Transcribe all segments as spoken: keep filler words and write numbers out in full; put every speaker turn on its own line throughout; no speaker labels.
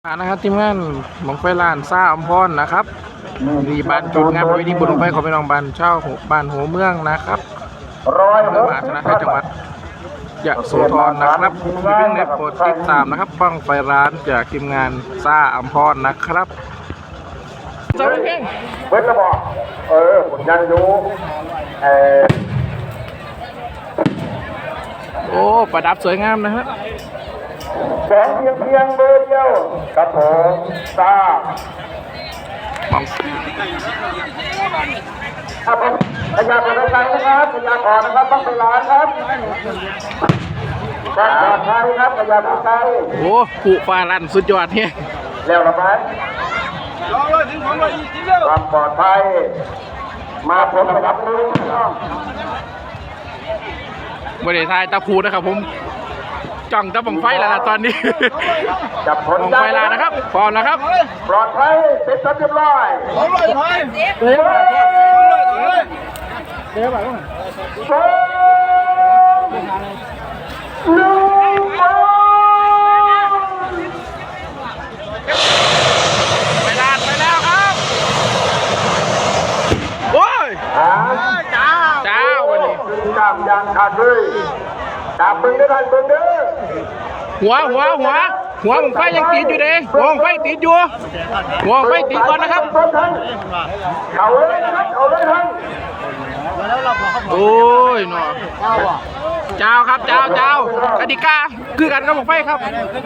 นะครับทีมงานหมองไฟลานซ่าอมพรนะครับดีบ้านจุดงานประเพณีบุญบั้งไฟของพี่น้องบ้านเช่าบ้านหัวเมืองนะครับเมืองมหาชนะไทยจังหวัดยะโสธรนะครับมีเรื่องในโปรดติดตามนะครับบ้างไฟร้านจากทีมงานซ่าอมพรนะครับเจ้าเพลง
เวทระบอกเออผมยังอยู่เออ
โอ้ประดับสวยงามนะครับ
แสงเพียงเพียงเบอร์เดียวครับผมทราบ
มอง
ครับผมพยาขอรายการนะครับพยาขอนะครับต้องไปร้านครับการปลอดภัยครับพยาผู้ใจ
โอ้ผู้ฟ้าลั่นสุดยอดเนี่ย
แล้วละไหมความปลอดภัยมาผมกับมือพี่น้อง
บริษัทตาพูนะครับผมจ้องตะบังไฟแล้วล่ะตอนนี้
จับผล
บังไฟแล้วนะครับพร้อมนะครับ
ปลอดภัยเสร็จเรียบร้อย
เดี๋ยวเดี๋ยวแบบว่า
สองหนึ่งไป
ไปด้านไปแล้วครับโอ้ย
อ่า
จ้าจ้าวันนี้
ดามยางขาดเลยดามเบิ้งได้ทันเบิ้งเด้อ
หัวหัวหัวหัวบังไฟยังติดอยู่เด้หัวบังไฟติดอยู่หัวบังไฟติดก่อนนะครับ
เขาเลยนะครับเขาเลยท่าน
โอ้ยหนอเจ้าครับเจ้าเจ้ากติกาคือกันกับบังไฟครับ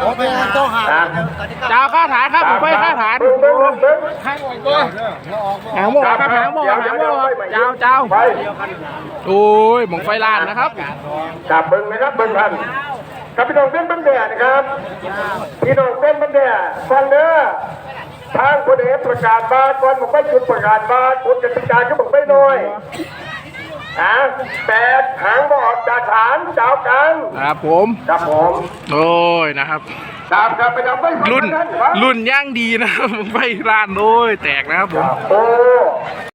เจ้าข้าฐานครับบังไฟข้าฐาน
เบิ้งเบิ้งเบิ้ง
หางโม่ครับหางโม่หางโม่เจ้าเจ้า
ไป
โอ้ยบังไฟลานนะครับ
จับเบิ้งนะครับเบิ้งท่านครับพี่น้องเป็นบันแดดนะครับพี่น้องเป็นบันแดดฟังเด้อทางคนเอกประกาศบาทก่อนบอกไม่จุดประกาศบาทคนกติกาก็บอกไม่น้อยอ่ะแปดหางบอดจากฐานเจ้ากัน
ครับผม
ครับผม
โอ้ยนะครับ
ตามครับไปทำไม่
รุ่นรุ่นย่างดีนะครับบังไฟลานโอ้ยแตกนะครับผม
โอ้